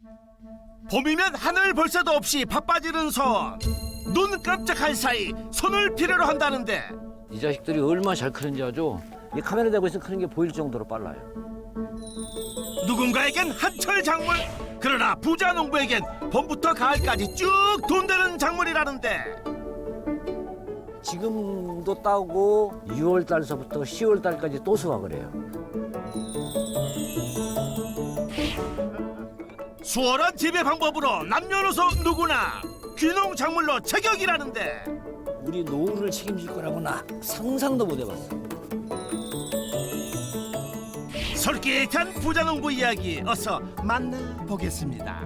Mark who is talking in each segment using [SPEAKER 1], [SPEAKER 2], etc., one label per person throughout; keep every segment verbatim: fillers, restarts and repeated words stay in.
[SPEAKER 1] 봄이면 하늘 볼 새도 없이 바빠지는 손. 눈 깜짝할 사이 손을 필요로 한다는데
[SPEAKER 2] 이 자식들이 얼마나 잘 크는지 아죠? 이 카메라 대고 있으면 크는 게 보일 정도로 빨라요.
[SPEAKER 1] 누군가에겐 한철 작물, 그러나 부자 농부에겐 봄부터 가을까지 쭉 돈되는 작물이라는데
[SPEAKER 2] 지금도 따고 유월 달서부터 시월 달까지 또 수확을 해요.
[SPEAKER 1] 수월한 재배 방법으로 남녀노소 누구나 귀농 작물로 제격이라는데
[SPEAKER 2] 우리 노후를 책임질 거라고는 나 상상도 못 해봤어.
[SPEAKER 1] 솔깃한 부자 농부 이야기 어서 만나보겠습니다.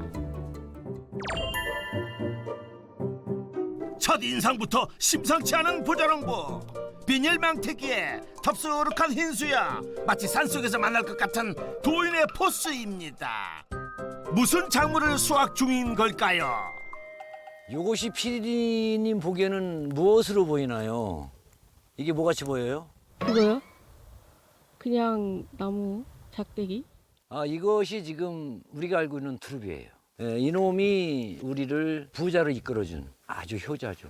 [SPEAKER 1] 첫 인상부터 심상치 않은 부자 농부. 비닐 망태기에 덥수룩한 흰수야, 마치 산속에서 만날 것 같은 도인의 포스입니다. 무슨 작물을 수확 중인 걸까요?
[SPEAKER 2] 이것이 피디님 보기에는 무엇으로 보이나요? 이게 뭐같이 보여요?
[SPEAKER 3] 이거요? 그냥 나무 작대기?
[SPEAKER 2] 아, 이것이 지금 우리가 알고 있는 두릅이에요. 예, 이놈이 우리를 부자로 이끌어준 아주 효자죠.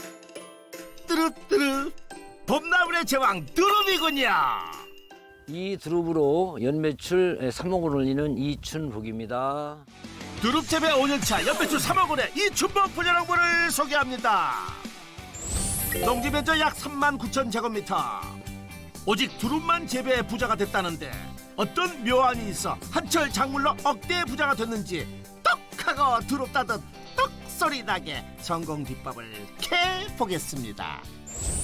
[SPEAKER 1] 뜨르뜨르 봄나물의 제왕 두릅이군요.
[SPEAKER 2] 이 두릅으로 연매출 삼억을 올리는 이춘복입니다.
[SPEAKER 1] 두릅 재배 오 년차 연매출 삼억 원의 이춘복 부자 농부를 소개합니다. 농지 면적 약 삼만 구천 제곱미터. 오직 두릅만 재배해 부자가 됐다는데 어떤 묘안이 있어 한철 작물로 억대 부자가 됐는지 떡하고 두릅 따듯 떡 소리 나게 성공 비법을 캐 보겠습니다.